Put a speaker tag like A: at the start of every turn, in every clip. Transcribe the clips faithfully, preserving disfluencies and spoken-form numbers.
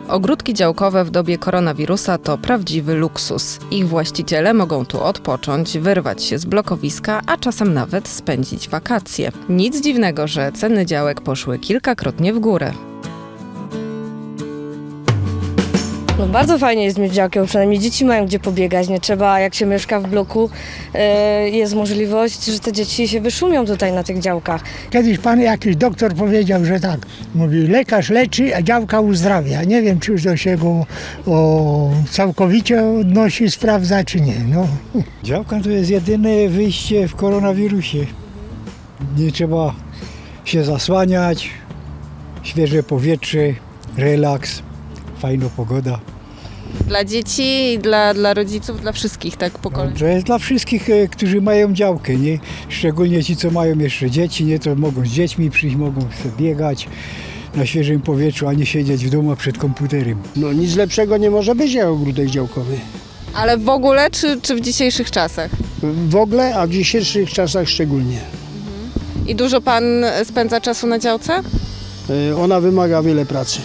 A: Ogródki działkowe w dobie koronawirusa to prawdziwy luksus. Ich właściciele mogą tu odpocząć, wyrwać się z blokowiska, a czasem nawet spędzić wakacje. Nic dziwnego, że ceny działek poszły kilkakrotnie w górę.
B: No bardzo fajnie jest mieć działkę, bo przynajmniej dzieci mają gdzie pobiegać, nie trzeba, jak się mieszka w bloku, e, jest możliwość, że te dzieci się wyszumią tutaj na tych działkach.
C: Kiedyś pan jakiś doktor powiedział, że tak, mówi, lekarz leczy, a działka uzdrawia. Nie wiem, czy to się go o, całkowicie odnosi, sprawdza, czy nie. No.
D: Działka to jest jedyne wyjście w koronawirusie. Nie trzeba się zasłaniać, świeże powietrze, relaks, fajna pogoda.
A: Dla dzieci i dla, dla rodziców, dla wszystkich, tak po kolei.
D: No, to jest dla wszystkich, e, którzy mają działkę, nie? Szczególnie ci, co mają jeszcze dzieci, nie? To mogą z dziećmi przyjść, mogą sobie biegać na świeżym powietrzu, a nie siedzieć w domu przed komputerem.
E: No nic lepszego nie może być jak ogródek działkowy.
A: Ale w ogóle, czy, czy w dzisiejszych czasach?
E: W ogóle, a w dzisiejszych czasach szczególnie.
A: I dużo pan spędza czasu na działce?
E: Y, Ona wymaga wiele pracy.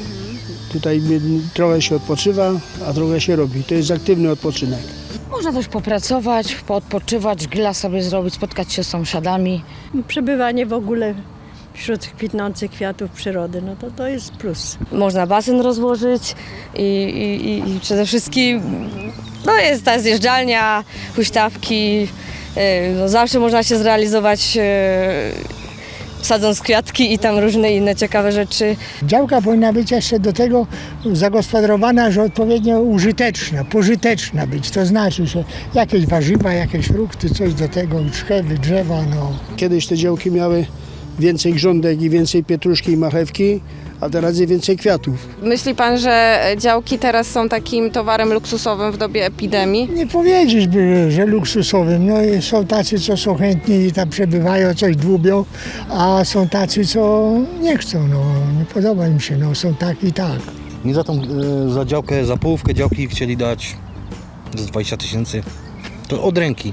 E: Tutaj trochę się odpoczywa, a trochę się robi. To jest aktywny odpoczynek.
F: Można też popracować, poodpoczywać, grilla sobie zrobić, spotkać się z sąsiadami.
G: Przebywanie w ogóle wśród kwitnących kwiatów przyrody, no to to jest plus.
B: Można basen rozłożyć i, i, i przede wszystkim no jest ta zjeżdżalnia, huśtawki, e, no zawsze można się zrealizować e, sadząc kwiatki i tam różne inne ciekawe rzeczy.
C: Działka powinna być jeszcze do tego zagospodarowana, że odpowiednio użyteczna, pożyteczna być. To znaczy, że jakieś warzywa, jakieś frukty, coś do tego, drzewy, drzewa, no.
E: Kiedyś te działki miały więcej grządek i więcej pietruszki i marchewki, a teraz jest więcej kwiatów.
A: Myśli pan, że działki teraz są takim towarem luksusowym w dobie epidemii?
C: Nie powiedzieć by, że luksusowym. No i są tacy, co są chętni i tam przebywają, coś dłubią, a są tacy, co nie chcą, no. Nie podoba im się, no. Są tak i tak.
H: Nie za tą, e, za działkę, za połówkę działki chcieli dać z dwadzieścia tysięcy. To od ręki.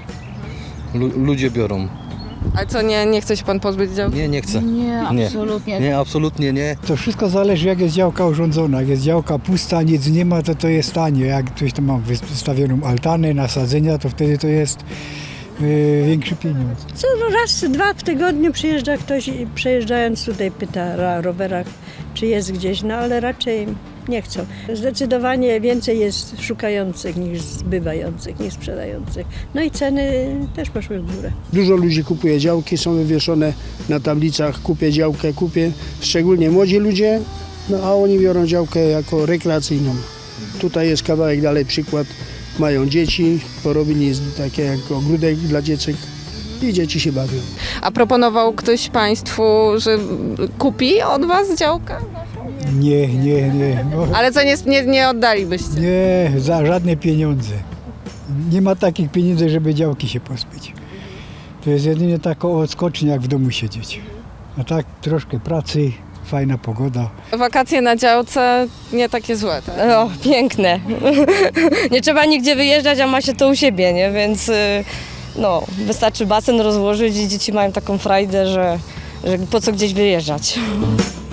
H: Lu- ludzie biorą.
A: A co, nie, nie chce się pan pozbyć działki?
H: Nie, nie chcę.
F: Nie,
H: Nie.
F: absolutnie.
H: Nie, absolutnie nie.
D: To wszystko zależy, jak jest działka urządzona. Jak jest działka pusta, nic nie ma, to to jest tanie. Jak ktoś tam ma wystawioną altanę, nasadzenia, to wtedy to jest yy, większy pieniądz.
G: Co raz, dwa w tygodniu przyjeżdża ktoś i przejeżdżając tutaj pyta na rowerach, czy jest gdzieś, no ale raczej nie chcą. Zdecydowanie więcej jest szukających niż zbywających, niż sprzedających. No i ceny też poszły w górę.
E: Dużo ludzi kupuje działki, są wywieszone na tablicach, kupię działkę, kupię. Szczególnie młodzi ludzie, no a oni biorą działkę jako rekreacyjną. Tutaj jest kawałek dalej przykład. Mają dzieci, porobili takie jak ogródek dla dziecek i dzieci się bawią.
A: A proponował ktoś państwu, że kupi od was działkę?
D: Nie, nie, nie. No,
A: Ale co, nie, nie, nie oddalibyście?
D: nie, za żadne pieniądze. Nie ma takich pieniędzy, żeby działki się pozbyć. To jest jedynie taka odskocznia, jak w domu siedzieć. A tak troszkę pracy, fajna pogoda.
A: Wakacje na działce nie takie złe, tak?
B: No, piękne. Nie trzeba nigdzie wyjeżdżać, a ma się to u siebie, nie? Więc y, no, wystarczy basen rozłożyć i dzieci mają taką frajdę, że, że po co gdzieś wyjeżdżać.